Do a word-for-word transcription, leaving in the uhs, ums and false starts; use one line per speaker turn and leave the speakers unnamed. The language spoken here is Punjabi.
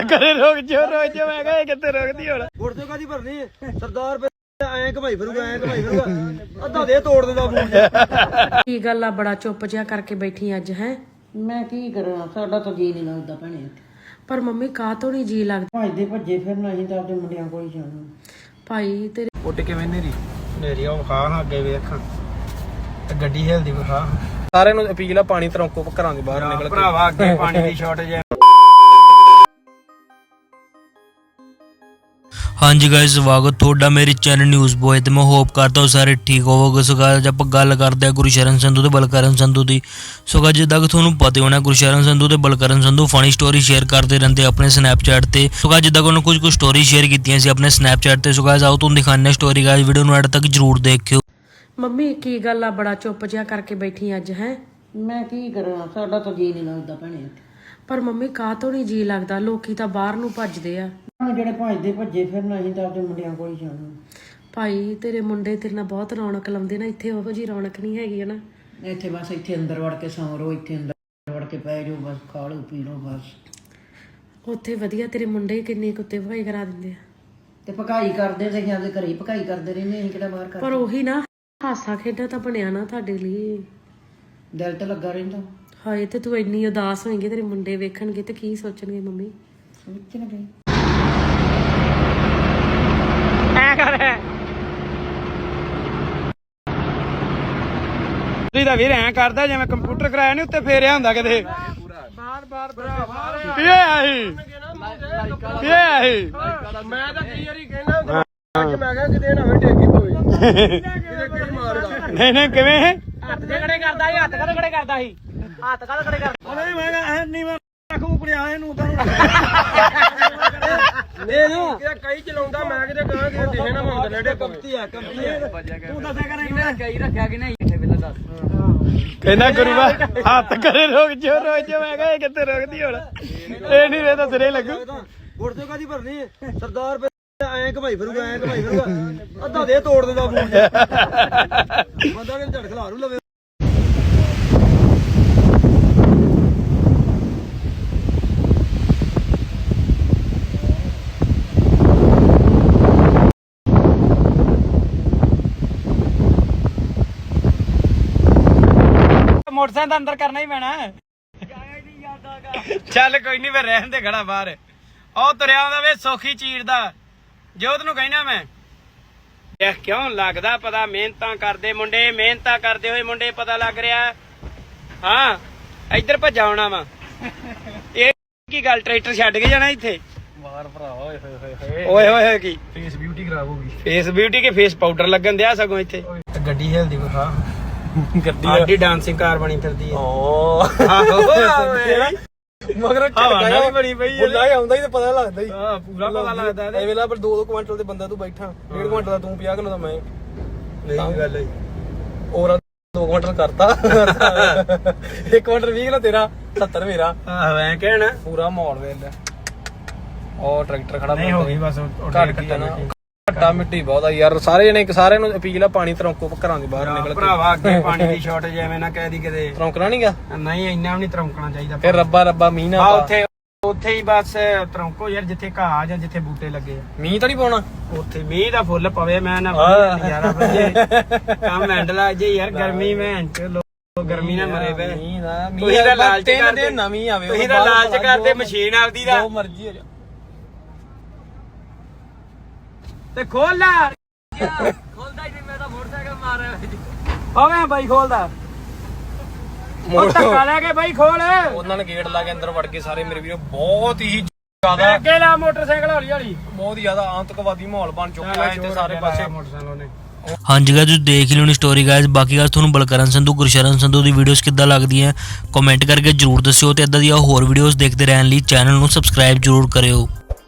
करे रोक जो रोक जो मैं कहा कितने रोकदी होना
गुर्दे कादी भरनी सरदार पे ਐਂ ਘਮਾਈ ਫਿਰੂਗਾ ਐਂ ਘਮਾਈ ਫਿਰੂਗਾ ਅੱਧਾ ਦੇ ਤੋੜ ਦਿੰਦਾ ਫੋਨ
ਕੀ ਗੱਲ ਆ ਬੜਾ ਚੁੱਪ ਜਿਹਾ ਕਰਕੇ ਬੈਠੀ ਅੱਜ ਹੈ
ਮੈਂ ਕੀ ਕਰਾਂ ਸਾਡਾ ਤਾਂ ਜੀ ਨਹੀਂ ਲੱਗਦਾ ਭੈਣੇ
ਪਰ ਮੰਮੀ ਕਾਹ ਤੋਂ ਨਹੀਂ ਜੀ ਲੱਗਦਾ
ਭੱਜਦੇ ਭੱਜੇ ਫਿਰਨਾ ਅਸੀਂ ਤਾਂ ਆਪਣੇ ਮੁੰਡਿਆਂ ਕੋਲ ਹੀ ਜਾਣਾ
ਭਾਈ ਤੇਰੇ
ਉੱਡ ਕਿਵੇਂ ਨੇਰੀ ਨੇਰੀ ਉਹ ਖਾ ਹਾਂ ਅੱਗੇ ਵੇਖਾਂ ਤੇ ਗੱਡੀ ਹਿਲਦੀ ਵਿਖਾ ਸਾਰਿਆਂ ਨੂੰ ਅਪੀਲ ਆ ਪਾਣੀ ਤਰੋਂਕੋ ਘਰਾਂ ਦੇ ਬਾਹਰ ਨਿਕਲ ਭਰਾਵਾ ਅੱਗੇ ਪਾਣੀ ਦੀ ਸ਼ਾਰਟੇਜ ਹੈ।
हाँ जी गाइस स्वागत ਤੁਹਾਡਾ ਮੇਰੇ ਚੈਨਲ ਨਿਊਜ਼ ਬੋਏ ਤੇ ਮੈਂ ਹੋਪ ਕਰਦਾ ਹਾਂ ਸਾਰੇ ਠੀਕ ਹੋਵੋਗੇ। ਸੋ ਗਾਇਸ ਆਪਾਂ ਗੱਲ ਕਰਦੇ ਹਾਂ ਗੁਰਸ਼ਰਨ ਸੰਧੂ ਤੇ ਬਲਕਰਨ ਸੰਧੂ ਦੀ। ਸੋ ਗਾਇਸ ਜਿੱਦਾਂ ਕਿ ਤੁਹਾਨੂੰ ਪਤਾ ਹੋਣਾ ਗੁਰਸ਼ਰਨ ਸੰਧੂ ਤੇ Balkaran Sandhu funny story share ਕਰਦੇ ਰਹਿੰਦੇ ਆਪਣੇ ਸਨੈਪਚੈਟ ਤੇ। ਸੋ ਗਾਇਸ ਜਿੱਦਾਂ ਕਿ ਉਹਨਾਂ ਕੁਝ ਕੁ ਸਟੋਰੀ ਸ਼ੇਅਰ ਕੀਤੀਆਂ ਸੀ ਆਪਣੇ ਸਨੈਪਚੈਟ ਤੇ। ਸੋ ਗਾਇਸ ਆਓ ਤੁਹਾਨੂੰ ਦਿਖਾਉਂਦੇ ਸਟੋਰੀ ਗਾਇਸ ਵੀਡੀਓ ਨੂੰ ਐਡ ਤੱਕ ਜਰੂਰ ਦੇਖਿਓ।
ਮੰਮੀ ਕੀ ਗੱਲ ਆ ਬੜਾ ਚੁੱਪ ਜਿਹਾ ਕਰਕੇ ਬੈਠੀ ਅੱਜ ਹੈ
ਮੈਂ ਕੀ ਕਰਾਂ ਸਾਡਾ ਤਾਂ ਜੀ ਨਹੀਂ ਲੱਗਦਾ ਭੈਣੇ
ਪਰ ਮੰਮੀ ਕਾਹ ਤੋਂ ਨਹੀਂ ਜੀ ਲੱਗਦਾ ਲੋਕੀ ਤਾਂ ਬਾਹਰ ਨੂੰ ਭੱਜਦੇ ਆ
ਜਿਹੜੇ ਭੱਜਦੇ ਭੱਜੇ ਫਿਰਨਾ ਅਸੀਂ ਤਾਂ ਆਪਣੇ ਮੁੰਡਿਆਂ ਕੋਲ ਹੀ ਜਾਣਾ
ਭਾਈ ਤੇਰੇ ਮੁੰਡੇ ਤੇਰੇ ਨਾਲ ਬਹੁਤ ਰੌਣਕ ਲਾਉਂਦੇ ਨਾ ਇੱਥੇ ਉਹੋ ਜੀ ਰੌਣਕ ਨਹੀਂ ਹੈਗੀ ਨਾ
ਇੱਥੇ ਬਸ ਇੱਥੇ ਅੰਦਰ ਵੜ ਕੇ ਸੌਂ ਰਹੋ ਇੱਥੇ ਅੰਦਰ ਵੜ ਕੇ ਪੈ ਜਾਓ ਬਸ ਖਾ ਲਓ ਪੀ ਲਓ ਬਸ
ਉੱਥੇ ਵਧੀਆ ਤੇਰੇ ਮੁੰਡੇ ਕਿੰਨੀ ਕੁੱਤੇ ਭਗਾਈ ਕਰਾ ਦਿੰਦੇ ਆ
ਤੇ ਪਕਾਈ ਕਰਦੇ ਤੇ ਅਸੀਂ ਆਪਦੇ ਘਰੇ ਹੀ ਪਕਾਈ ਕਰਦੇ ਰਹਿੰਦੇ ਅਸੀਂ ਕਿਹੜਾ ਬਾਹਰ
ਪਰ
ਕਰਦੇ
ਉਹੀ ਨਾ ਹਾਸਾ ਖੇਡਾ ਤਾਂ ਬਣਿਆ ਨਾ ਤੁਹਾਡੇ ਲਈ
ਦਿਲ ਤੇ ਲੱਗਾ ਰਹਿੰਦਾ
ਹਾਏ ਤੇ ਤੂੰ ਇੰਨੀ ਉਦਾਸ ਹੋਏਂਗੀ ਤੇਰੇ ਮੁੰਡੇ ਵੇਖਣਗੇ ਤੇ ਕੀ ਸੋਚਣਗੇ ਮੰਮੀ
ਸੋਚ ਨਾ ਗਈ
ਐ ਕਰ ਤੁਸੀਂ ਤਾਂ ਵੀਰ ਐ ਕਰਦਾ ਜਿਵੇਂ ਕੰਪਿਊਟਰ ਕਰਾਇਆ ਨਹੀਂ ਉੱਤੇ ਫੇਰਿਆ ਹੁੰਦਾ ਕਿਤੇ ਬਾਰ ਬਾਰ ਬਾਰ ਕੀ ਆਹੀ ਕੀ ਆਹੀ
ਮੈਂ ਤਾਂ ਕਈ ਵਾਰੀ ਕਹਿਣਾ ਹੁੰਦਾ ਕਿ ਮੈਂ ਕਿਹਾ ਕਿਤੇ ਨਾ ਹੋਵੇ ਟੇਕੀ ਹੋਵੇ ਕਿਤੇ ਕਿਹੜੀ ਮਾਰਦਾ
ਨਹੀਂ ਨਹੀਂ ਕਿਵੇਂ
ਹੱਥ ਦੇ ਖੜੇ ਕਰਦਾ ਸੀ ਹੱਥ ਕਦੇ ਖੜੇ ਕਰਦਾ ਸੀ ਹੱਥ ਕਦੇ ਖੜੇ ਕਰਦਾ
ਨਹੀਂ ਮੈਂ ਕਿਹਾ ਨਹੀਂ ਮੈਂ ਰੱਖੂ ਕੁੜਿਆ ਇਹਨੂੰ ਤਾਂ ਇਹ ਨਾ ਕਿਤੇ ਕਈ ਚਲਾਉਂਦਾ ਮੈਂ ਕਿਤੇ ਕਹਾਂ ਕਿ ਦਿਖੇ ਨਾ ਮੰਗ ਲੈੜੇ ਕੰਪਤੀ ਆ ਕੰਪਤੀ ਆ ਤੂੰ ਦੱਸਿਆ ਕਰ ਇਹਨੇ ਕਈ ਰੱਖਿਆ ਕਿ ਨਹੀਂ ਇੱਥੇ ਵੇਲੇ ਦੱਸ
ਕਹਿੰਦਾ ਗੁਰੂਆ ਹੱਥ ਕਰੇ ਰੋਕ ਜੋ ਰੋਕ ਜੋ ਮੈਂ ਕਹਾ ਕਿੱਥੇ ਰੋਕਦੀ ਹੋਣਾ ਇਹ ਨਹੀਂ ਵੇ ਤਾਂ ਸਿਰੇ ਲੱਗੂ
ਗੁਰਦੇ ਕਾਦੀ ਭਰਨੀ ਸਰਦਾਰ पे ਐਂ ਘਮਾਈ ਫਿਰੂਗਾ ਐਂ ਘਮਾਈ ਫਿਰੂਗਾ ਅੱਧਾ ਦੇ ਤੋੜ ਦਿੰਦਾ ਫੋਨ ਬੰਦਾ ਕਿ ਝੜ ਖਲਾਰੂ ਲਵੇ
ਮੋਟਰਸਾਈਕਲ ਦਾ ਅੰਦਰ ਕਰਨਾ ਹੀ ਪੈਣਾ ਚੱਲ ਕੋਈ ਨਹੀਂ ਫਿਰ ਰਹਿਣ ਦੇ ਖੜਾ ਬਾਹਰ ਉਹ ਤੁਰਿਆ ਆਉਂਦਾ ਵੇ ਸੌਖੀ ਚੀਰ ਦਾ ਜੋਤ ਨੂੰ ਕਹਿਣਾ ਮੈਂ ਇਹ ਕਿਉਂ ਲੱਗਦਾ ਪਤਾ ਮਿਹਨਤਾਂ ਕਰਦੇ ਮੁੰਡੇ ਮਿਹਨਤਾਂ ਕਰਦੇ ਹੋਏ ਮੁੰਡੇ ਪਤਾ ਲੱਗ ਰਿਹਾ ਹਾਂ ਇੱਧਰ ਭੱਜਾ ਆਉਣਾ ਵਾ ਇਹ ਕੀ ਗੱਲ ਟਰੈਕਟਰ ਛੱਡ ਕੇ ਜਾਣਾ ਇੱਥੇ
ਬਾਹਰ ਭਰਾ ਓਏ ਹੋਏ ਹੋਏ
ਓਏ ਹੋਏ ਹੋਏ ਕੀ
ਫੇਸ ਬਿਊਟੀ ਖਰਾਬ ਹੋ ਗਈ
ਫੇਸ ਬਿਊਟੀ ਕੇ ਫੇਸ ਪਾਊਡਰ ਲੱਗਣ ਦਿਆ ਸਗੋਂ ਇੱਥੇ ਗੱਡੀ ਹਿਲਦੀ ਵਿਖਾ ਗੱਡੀ ਆਡੀ ਡਾਂਸਿੰਗ ਕਾਰ ਬਣੀ ਫਿਰਦੀ ਹੈ
ਓ
ਆਹੋ
ਮਗਰ
ਝਟਕਾ ਵੀ ਬਣੀ ਪਈ
ਬੁੱਲਾ ਹੀ ਆਉਂਦਾ ਹੀ ਤਾਂ ਪਤਾ ਲੱਗਦਾ ਹੀ
ਹਾਂ ਪੂਰਾ ਪਤਾ ਲੱਗਦਾ
ਇਹ ਵੇਲਾ ਪਰ ਦੋ ਦੋ ਕੁਆਂਟਲ ਦੇ ਬੰਦਾ ਤੂੰ ਬੈਠਾ ਡੇਢ ਕੁਆਂਟਲ ਦਾ ਤੂੰ ਪੰਜਾਹ ਕਿਲੋ ਦਾ ਮੈਂ
ਨਹੀਂ ਗੱਲ ਹੈ
ਔਰ ਦੋ ਕੁਆਂਟਲ ਕਰਤਾ ਇੱਕ ਕੁਆਂਟਲ ਵੀਹ ਕਿਲੋ ਤੇਰਾ ਸੱਤਰ ਮੇਰਾ
ਆਹੋ ਐ ਕਹਿਣਾ
ਪੂਰਾ ਮਾਹੌਲ ਵੇਖ ਉਹ ਟਰੈਕਟਰ ਖੜਾ
ਨਹੀਂ ਹੋ ਗਈ ਬਸ
ਘੱਟ ਕੱਟਾ ਨਾ ਘੱਟਾ ਮਿੱਟੀ ਬਹੁਤ ਆ ਯਾਰ ਸਾਰੇ ਜਣੇ ਸਾਰਿਆਂ ਨੂੰ ਅਪੀਲ ਆ ਪਾਣੀ ਤਰੋਂਕੋ ਘਰਾਂ ਦੇ ਬਾਹਰ ਨਿਕਲ ਕੇ
ਭਰਾਵਾ ਅੱਗੇ ਪਾਣੀ ਦੀ ਸ਼ਾਰਟੇਜ ਐਵੇਂ ਨਾ ਕਹਿ ਦੀ ਕਿਤੇ
ਤਰੋਂਕਣਾ ਨਹੀਂ ਗਾ
ਨਹੀਂ ਇੰਨਾ ਵੀ ਨਹੀਂ ਤਰੌਂਕਣਾ ਚਾਹੀਦਾ
ਫਿਰ ਰੱਬਾ ਰੱਬਾ ਮੀਂਹ ਨਾ
ਆ
ਪਾ
ਉੱਥੇ ਉੱਥੇ ਹੀ ਬਸ ਤਰੌਂਕੋ ਯਾਰ ਜਿੱਥੇ ਘਾਹ ਜਾਂ ਜਿੱਥੇ ਬੂਟੇ ਲੱਗੇ ਆ
ਮੀਂਹ ਤਾਂ ਨਹੀਂ ਪਾਉਣਾ
ਉੱਥੇ ਮੀਂਹ ਦਾ ਫੁੱਲ ਪਵੇ ਮੈਂ ਨਾ ਨਜ਼ਾਰਾ ਜੇ ਕੰਮ ਹੈਂਡਲ ਆ ਜੇ ਯਾਰ ਗਰਮੀ ਮੈਂ ਲੋਕ ਗਰਮੀ ਨਾਲ ਮਰੇ ਪਏ
ਮੀਂਹ ਦਾ
ਤੁਸੀਂ ਤਾਂ ਲਾਲਚ ਕਰਦੇ
ਨਵੀਂ ਆਵੇ
ਤੁਸੀਂ ਤਾਂ ਲਾਲਚ ਕਰਦੇ ਮਸ਼ੀਨ ਆਪਦੀ ਦਾ
ਜੋ ਮਰਜ਼ੀ ਹੋ ਜਾ
ਤੇ ਖੋਲ ਲਾ ਖੋਲਦਾ ਹੀ ਨਹੀਂ ਮੈਂ ਤਾਂ ਮੋਟਰਸਾਈਕਲ ਮਾਰਿਆ ਓਵੇਂ ਬਾਈ ਖੋਲਦਾ ਉਹ ਧੱਕਾ ਲੈ ਕੇ ਬਾਈ ਖੋਲ
ਉਹਨਾਂ ਨੇ ਗੇਟ ਲਾ ਕੇ ਅੰਦਰ ਵੜ ਕੇ ਸਾਰੇ ਮੇਰੇ ਵੀਰੋ ਬਹੁਤ ਹੀ ਜ਼ਿਆਦਾ
ਅੱਗੇ ਲਾ ਮੋਟਰਸਾਈਕਲ ਹੌਲੀ ਹੌਲੀ
ਬਹੁਤ ਹੀ ਜ਼ਿਆਦਾ ਆਤੰਕਵਾਦੀ ਮਾਹੌਲ ਬਣ ਚੁੱਕਾ ਹੈ ਇੱਥੇ ਸਾਰੇ ਪਾਸੇ
ਮੋਟਰਸਾਈਕਲ ਨੇ
ਹਾਂਜੀ ਗਾਇਸ ਤੁਸੀਂ ਦੇਖ ਲਿਓ ਨੀ ਸਟੋਰੀ ਗਾਇਸ। ਬਾਕੀ ਗਾਇਸ ਤੁਹਾਨੂੰ ਬਲਕਰਨ ਸੰਧੂ ਗੁਰਸ਼ਰਨ ਸੰਧੂ ਦੀ ਵੀਡੀਓਜ਼ ਕਿੱਦਾਂ ਲੱਗਦੀਆਂ ਕਮੈਂਟ ਕਰਕੇ ਜਰੂਰ ਦੱਸਿਓ ਤੇ ਇਦਾਂ ਦੀਆਂ ਹੋਰ ਵੀਡੀਓਜ਼ ਦੇਖਦੇ ਰਹਿਣ ਲਈ ਚੈਨਲ ਨੂੰ ਸਬਸਕ੍ਰਾਈਬ ਜਰੂਰ ਕਰਿਓ।